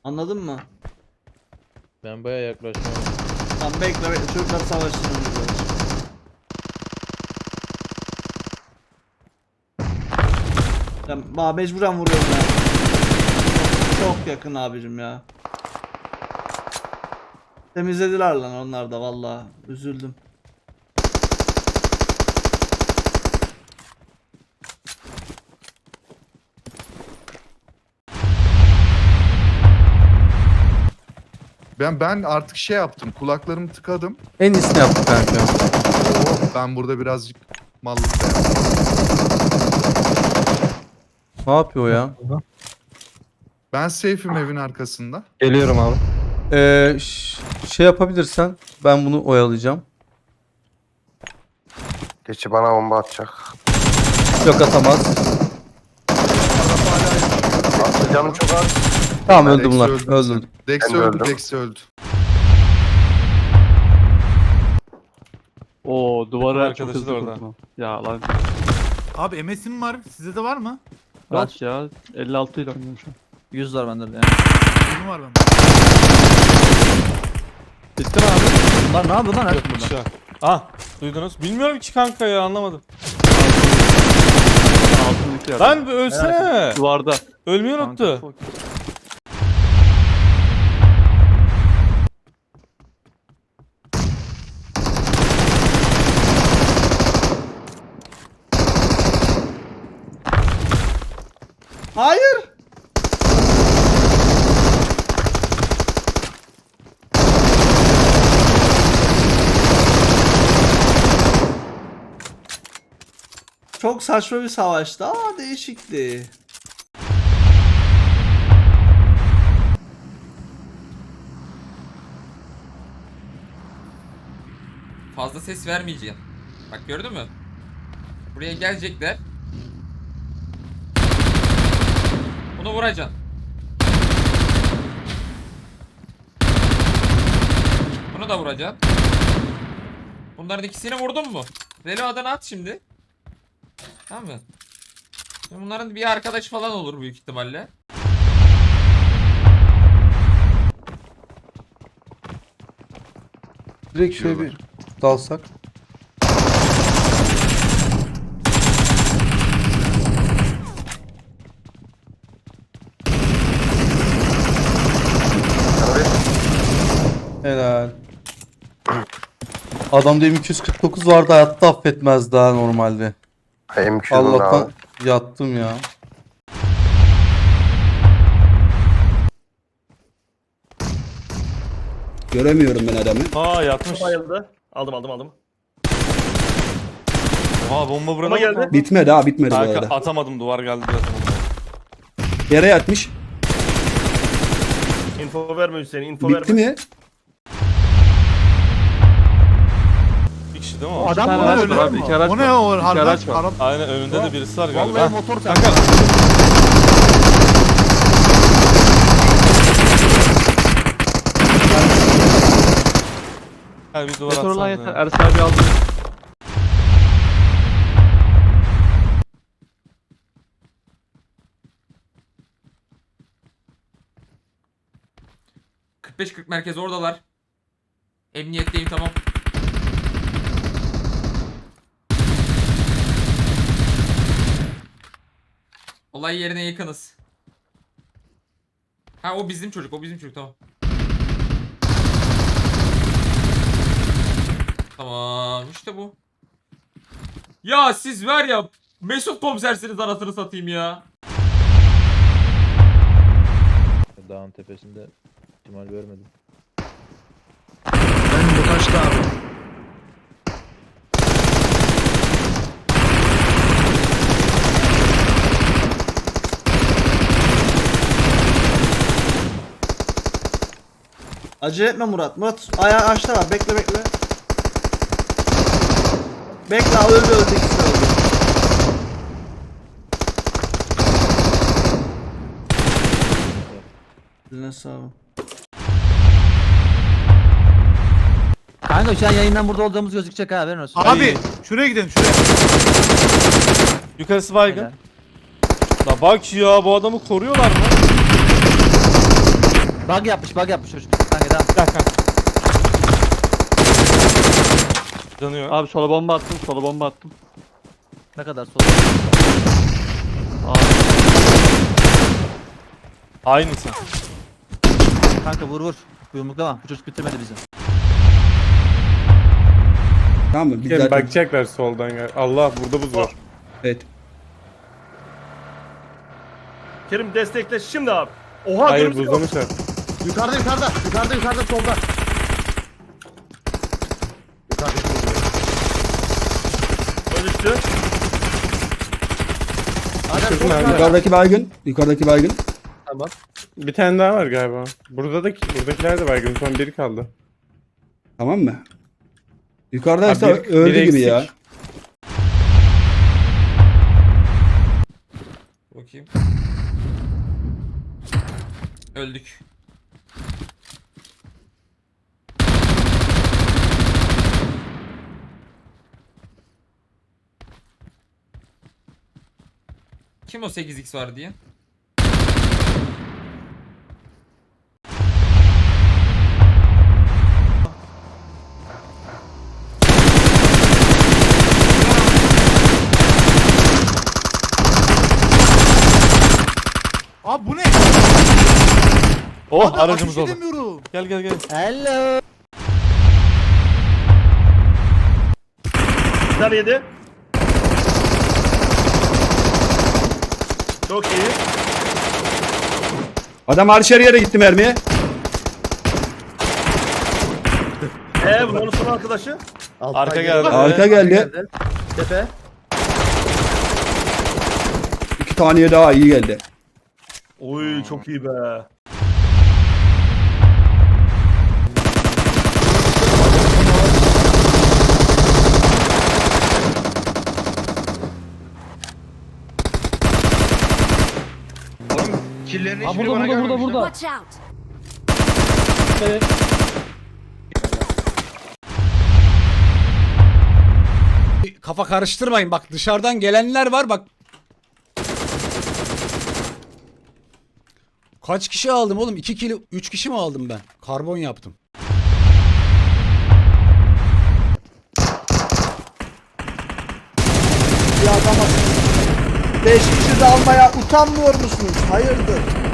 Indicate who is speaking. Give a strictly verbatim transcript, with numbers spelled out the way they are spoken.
Speaker 1: Anladın mı?
Speaker 2: Ben baya yaklaşıyorum.
Speaker 1: Tamam bekle bekle çocuklar savaşsın önce böyle. Ya bana mecburen vuruyorum ya. Çok yakın abicim ya. Temizlediler lan onlar da vallahi üzüldüm.
Speaker 3: Ben ben artık şey yaptım. Kulaklarımı tıkadım.
Speaker 4: En iyisini yaptık kanka.
Speaker 3: Oo, ben burada birazcık mallık da yaptım.
Speaker 4: Ne yapıyor ya?
Speaker 3: Ben safe'im evin arkasında.
Speaker 5: Geliyorum abi.
Speaker 4: Ee, ş- şey yapabilirsen ben bunu oyalayacağım.
Speaker 5: Geçi bana bomba atacak.
Speaker 4: Yok atamaz.
Speaker 5: Aslında canım çok az.
Speaker 4: Tamam öldü
Speaker 3: Dex'i
Speaker 4: bunlar.
Speaker 3: öldürdüm
Speaker 4: Öldürdüm.
Speaker 3: sen. Dex
Speaker 5: Ben de
Speaker 3: öldü,
Speaker 5: öldüm.
Speaker 3: Dex öldü.
Speaker 6: Oo duvara çok
Speaker 7: arkadaşı
Speaker 6: hızlı
Speaker 7: da orada.
Speaker 6: vurdum. Ya lan
Speaker 8: Abi M S'im var. Sizde de var mı?
Speaker 6: kaç ya? elli altı ile oynuyorum şu an.
Speaker 9: yüz var bende de yani.
Speaker 8: Benim var bende.
Speaker 6: Bitti mi abi?
Speaker 9: Bunlar ne yapıyor lan?
Speaker 7: Yok
Speaker 9: Hep
Speaker 7: bir
Speaker 9: burada.
Speaker 7: şey. Ah duydunuz. Bilmiyorum ki kanka ya anlamadım.
Speaker 6: Altındaki yer.
Speaker 7: Lan bir ölsene.
Speaker 6: Duvarda.
Speaker 7: Ölmeyi
Speaker 6: Kanka,
Speaker 7: unuttu.
Speaker 6: fuck.
Speaker 1: Hayır. Çok saçma bir savaştı ama değişikti.
Speaker 10: Fazla ses vermeyeceğim. Bak gördün mü? Buraya gelecekler. Bunu vuracaksın. Bunu da vuracaksın. Bunların ikisini vurdun mu? Reload'dan at şimdi. Tamam mı? Şimdi bunların bir arkadaş falan olur büyük ihtimalle.
Speaker 4: Direkt şöyle bir dalsak. Helal. Adamda M iki yüz kırk dokuz vardı, hayatta affetmez daha normalde.
Speaker 5: M Q'nun
Speaker 4: Allah'tan
Speaker 5: abi.
Speaker 4: yattım ya.
Speaker 11: Göremiyorum ben adamı.
Speaker 7: Aa yatmış.
Speaker 2: Bayıldı. Aldım aldım aldım.
Speaker 7: Aa bomba buraya
Speaker 2: Ama
Speaker 7: geldi.
Speaker 2: geldi.
Speaker 11: Bitmedi ha bitmedi bu
Speaker 7: Kanka
Speaker 11: arada.
Speaker 7: atamadım duvar geldi diye atamadım.
Speaker 11: Yere yatmış.
Speaker 2: Info verme Hüseyin, info
Speaker 11: Bitti
Speaker 2: verme.
Speaker 11: mi?
Speaker 7: Bir kişi değil mi o?
Speaker 8: Adam
Speaker 6: tane
Speaker 8: mı
Speaker 6: araç
Speaker 8: öyle?
Speaker 6: var abi, iki araç
Speaker 8: O ne
Speaker 6: var.
Speaker 8: o?
Speaker 6: İki
Speaker 8: Harbi
Speaker 6: araç var.
Speaker 8: Arap.
Speaker 7: Aynen önünde de birisi var
Speaker 8: Vallahi
Speaker 7: galiba.
Speaker 8: motor
Speaker 7: Kanka. Gel bir duvar
Speaker 6: Motor lan
Speaker 7: atsana.
Speaker 6: yeter.
Speaker 7: ya.
Speaker 6: Ersin abi aldı.
Speaker 10: kırk beş kırk merkez oradalar. Emniyetteyim tamam. Olay yerine yakınız. Ha o bizim çocuk, o bizim çocuk tamam. Tamam işte bu. Ya siz var ya Mesut komisersiniz anasını satayım ya.
Speaker 2: Dağın tepesinde ihtimal görmedim.
Speaker 8: Ben bu kaçtı abi.
Speaker 1: Acele etme Murat. Murat ayağı açta var. Bekle bekle. Bekle öldü öldü ikisi de öldü. Eline sağlık.
Speaker 9: Kanka şu an yayından burada olduğumuz gözükecek ha, haberin olsun.
Speaker 8: Abi şuraya gidelim şuraya.
Speaker 7: Yukarısı baygın.
Speaker 9: Helal.
Speaker 7: La bak ya bu adamı koruyorlar mı?
Speaker 9: Bug yapmış bug yapmış çocuk. Kanka devam.
Speaker 7: Gel kanka. Yanıyor.
Speaker 6: Abi sola bomba attım. Sola bomba attım.
Speaker 9: Ne kadar sol.
Speaker 6: Abi.
Speaker 7: Aynısın.
Speaker 9: Kanka vur vur. Bu yumruklama. Bu çocuk bitirmedi bizi.
Speaker 11: Tamam mı? Biz zaten...
Speaker 7: bakacaklar soldan gel. Allah burada buz var.
Speaker 11: Evet.
Speaker 2: Kerim destekle şimdi abi. Oha
Speaker 7: Hayır
Speaker 2: görüntü yok.
Speaker 7: buzlamışlar.
Speaker 5: Yukarıda yukarıda. Yukarıda yukarıda solda. Yukarıda solda.
Speaker 2: O düştü.
Speaker 11: Düşürdüm abi. Yukarıdaki baygın. Yukarıdaki baygın.
Speaker 5: Tamam.
Speaker 7: Bir tane daha var galiba. Burada da buradakiler de baygın. Son biri kaldı.
Speaker 11: Tamam mı? Yukarıdaysa
Speaker 7: Abi bir-
Speaker 11: öldü
Speaker 7: biri
Speaker 11: gibi
Speaker 7: eksik.
Speaker 11: ya.
Speaker 10: Bakayım. Öldük. Kim o sekiz x var diye?
Speaker 8: Abi bu ne?
Speaker 7: Oh
Speaker 8: Abi
Speaker 7: aracımız
Speaker 8: ateş
Speaker 7: oldu.
Speaker 8: edemiyorum.
Speaker 7: Gel gel gel.
Speaker 9: Hello.
Speaker 2: Bir tane yedi. Çok iyi.
Speaker 11: Adam arşer yere gitti mermiye.
Speaker 2: Eee bunların son arkadaşı.
Speaker 7: Arka geldi.
Speaker 11: Arka geldi.
Speaker 5: Tepe.
Speaker 11: İki taneye daha iyi geldi.
Speaker 2: Oy çok iyi be.
Speaker 5: Killerin
Speaker 6: Ha burada burada burada burada.
Speaker 12: Watch out.
Speaker 8: Kafa karıştırmayın bak dışarıdan gelenler var bak. Kaç kişi aldım oğlum? iki kilo, üç kişi mi aldım ben? Karbon yaptım.
Speaker 1: Bir adama beş kişi de almaya utanmıyor musunuz? Hayırdır?